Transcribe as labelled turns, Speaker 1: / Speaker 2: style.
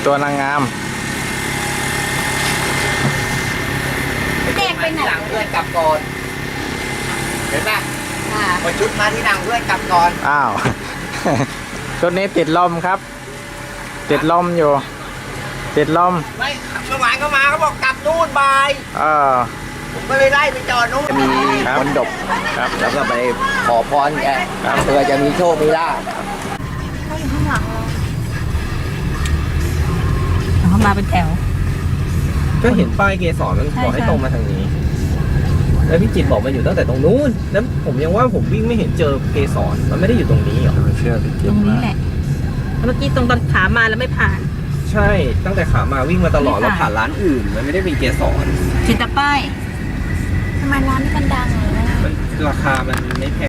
Speaker 1: ตัวนางงาม
Speaker 2: แดงไปไหน
Speaker 3: หลังเพื่อนกลับก่อนเห็นไหม
Speaker 2: ค่ะ
Speaker 3: พอชุดมาที่หลังเพื่อนกลับก่อน
Speaker 1: อ้าว ชุดนี้ติดลมครับ ติดลมอยู่ ติดลม
Speaker 3: ไม่เมื่อวานก็มาเขาบอกกลับนู่นบ่าย
Speaker 1: เออ
Speaker 3: ผมก็เลยไล่ไปจอดนู่นมี
Speaker 1: ครับ
Speaker 3: คนดก
Speaker 1: ครับ
Speaker 3: แล้วก็ไปขอพรแก
Speaker 1: ครับ
Speaker 3: เพื่อจะมีโชคมีลาภ
Speaker 2: เขาอยู่ข้างหลังเราเขามาเป็นแถว
Speaker 4: ก็เห็นป้ายเกสรมันบอกให้ตรงมาทางนี้ แล้วพี่จิตรบอกมันอยู่ตั้งแต่ตรงนู้น แล้วผมยังว่าผมวิ่งไม่เห็นเจอเกสรมันไม่ได้อยู่ตรงนี้หรอ
Speaker 1: เชื่อพี่
Speaker 2: ต
Speaker 1: จิ๊
Speaker 2: ร
Speaker 1: บ
Speaker 2: งนี้
Speaker 1: มาก
Speaker 2: แหละแล้วเมื่อกี้ตรงตอนขามาแล้วไม่ผ่าน
Speaker 4: ใช่ ตั้งแต่ขามาวิ่งมาตลอด
Speaker 2: ไม่
Speaker 4: แล้ว
Speaker 2: ผ่าน
Speaker 4: ผ่านร้านอื่น มันไม่ได้มีเกสร
Speaker 2: จิตตะป้ายทำไมร้านนี้มันดังเลยนะ
Speaker 4: มันราคามันไม่แพง